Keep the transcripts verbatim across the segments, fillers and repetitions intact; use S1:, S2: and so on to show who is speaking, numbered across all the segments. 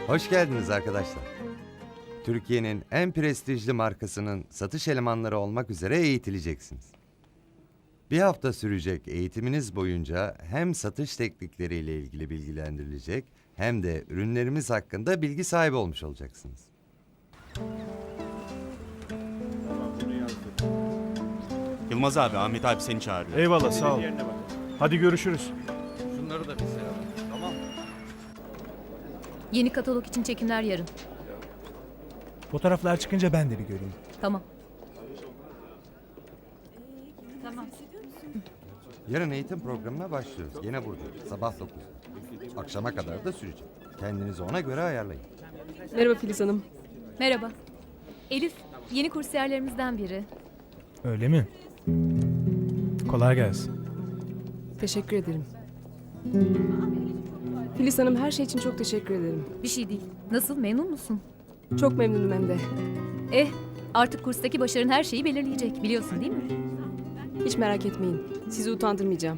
S1: Hoş geldiniz arkadaşlar. Türkiye'nin en prestijli markasının satış elemanları olmak üzere eğitileceksiniz. Bir hafta sürecek eğitiminiz boyunca hem satış teknikleriyle ilgili bilgilendirilecek hem de ürünlerimiz hakkında bilgi sahibi olmuş olacaksınız.
S2: Yılmaz abi, Ahmet abi seni çağırıyor.
S3: Eyvallah, sağ ol. Hadi görüşürüz.
S4: Şunları da bize alalım. Tamam mı?
S5: Yeni katalog için çekimler yarın.
S6: Fotoğraflar çıkınca ben de bir göreyim.
S5: Tamam. Tamam.
S1: Yarın eğitim programına başlıyoruz. Yine burada. Sabah dokuzda. Akşama kadar da sürecek. Kendinizi ona göre ayarlayın.
S7: Merhaba Filiz Hanım.
S5: Merhaba. Elif, yeni kursiyerlerimizden biri.
S6: Öyle mi? Kolay gelsin.
S7: Teşekkür ederim. Filiz Hanım, her şey için çok teşekkür ederim.
S5: Bir şey değil. Nasıl, memnun musun?
S7: Çok memnunum hem de.
S5: Eh, artık kurstaki başarın her şeyi belirleyecek. Biliyorsun değil mi?
S7: Hiç merak etmeyin. Sizi utandırmayacağım.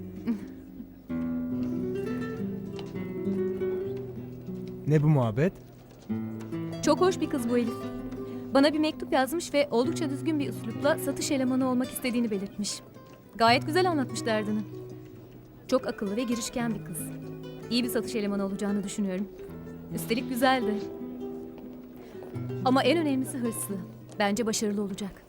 S6: Ne bu muhabbet?
S5: Çok hoş bir kız bu Elif. Bana bir mektup yazmış ve oldukça düzgün bir üslupla satış elemanı olmak istediğini belirtmiş. Gayet güzel anlatmış derdini. Çok akıllı ve girişken bir kız. İyi bir satış elemanı olacağını düşünüyorum. Üstelik güzel de. Ama en önemlisi hırslı. Bence başarılı olacak.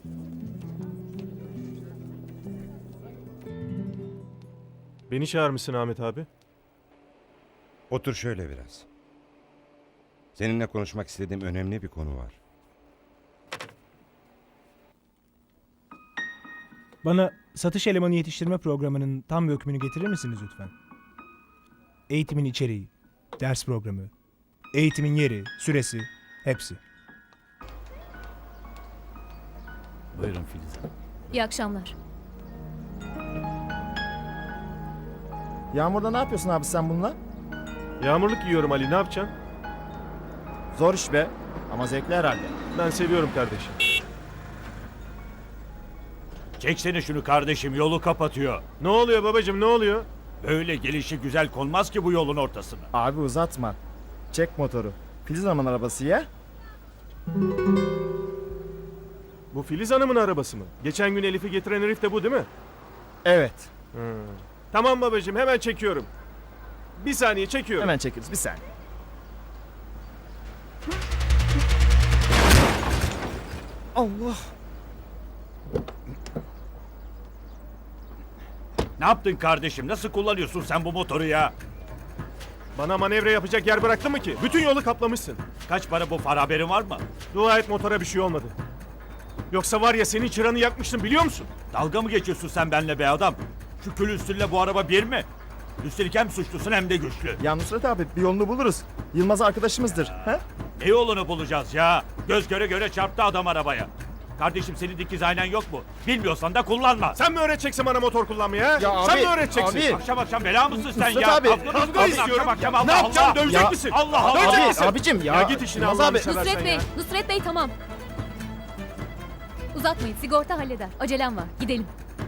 S3: Beni çağırmışsın Ahmet abi.
S8: Otur şöyle biraz. Seninle konuşmak istediğim önemli bir konu var.
S6: Bana satış elemanı yetiştirme programının tam bir hükmünü getirir misiniz lütfen? Eğitimin içeriği, ders programı, eğitimin yeri, süresi, hepsi.
S4: Buyurun Filiz Hanım.
S5: İyi akşamlar.
S9: Yağmurda ne yapıyorsun abi sen bununla?
S3: Yağmurluk yiyorum Ali, ne yapacaksın?
S9: Zor iş be. Ama zevkli herhalde.
S3: Ben seviyorum kardeşim.
S10: Çeksene şunu kardeşim, yolu kapatıyor.
S3: Ne oluyor babacığım, ne oluyor?
S10: Böyle gelişi güzel konmaz ki bu yolun ortasına.
S9: Abi uzatma. Çek motoru. Filiz Hanım'ın arabası ya.
S3: Bu Filiz Hanım'ın arabası mı? Geçen gün Elif'i getiren herif de bu değil mi?
S9: Evet.
S3: Hmm. Tamam babacığım, hemen çekiyorum. Bir saniye çekiyorum.
S9: Hemen çekeriz bir saniye. Allah.
S10: Ne yaptın kardeşim? Nasıl kullanıyorsun sen bu motoru ya?
S3: Bana manevra yapacak yer bıraktın mı ki? Bütün yolu kaplamışsın.
S10: Kaç para bu far, haberin var mı?
S3: Dua et motora bir şey olmadı. Yoksa var ya senin çıranı yakmıştım, biliyor musun?
S10: Dalga mı geçiyorsun sen benimle be adam? Şu külüstürle bu araba bir mi? Üstelik hem suçlusun hem de güçlü.
S9: Ya Nusret abi bir yolunu buluruz. Yılmaz arkadaşımızdır. He?
S10: Ne yolunu bulacağız ya? Göz göre göre çarptı adam arabaya. Kardeşim senin dikiz aynen yok mu? Bilmiyorsan da kullanma.
S3: Sen mi öğreteceksin bana motor kullanmayı ha?
S9: Ya
S3: Sen
S9: abi,
S3: mi öğreteceksin?
S9: abi.
S10: Akşam akşam bela mısın sen
S9: Nusret
S10: ya?
S9: abi,
S10: Kavga mı
S3: kavga
S10: istiyorsun
S3: istiyorum.
S10: akşam akşam?
S3: Ne
S10: Allah
S3: yapacaksın?
S10: Allah.
S3: Dövecek
S9: Ya-
S3: misin?
S10: Allah Allah.
S3: Dövecek
S9: Abi,
S3: misin?
S9: abicim ya.
S3: Ya git işine
S9: Yılmaz
S3: Allah'ını
S9: abi.
S3: seversen
S5: Nusret
S3: ya.
S5: Bey, Nusret Bey tamam. Uzatmayın, sigorta halleder. Acelem var, gidelim.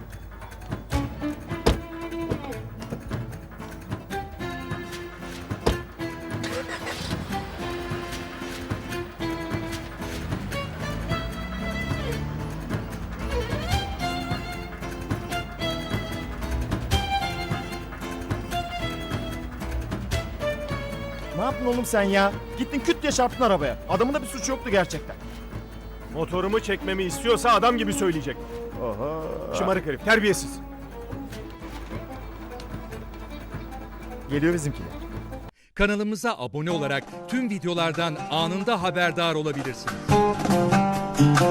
S9: Ne yaptın oğlum sen ya? Gittin küt diye çarptın arabaya. Adamın da bir suçu yoktu gerçekten.
S3: Motorumu çekmemi istiyorsa adam gibi söyleyecek.
S9: Oha.
S3: Şımarık herif, terbiyesiz.
S9: Geliyor bizimkiler.
S11: Kanalımıza abone olarak tüm videolardan anında haberdar olabilirsiniz.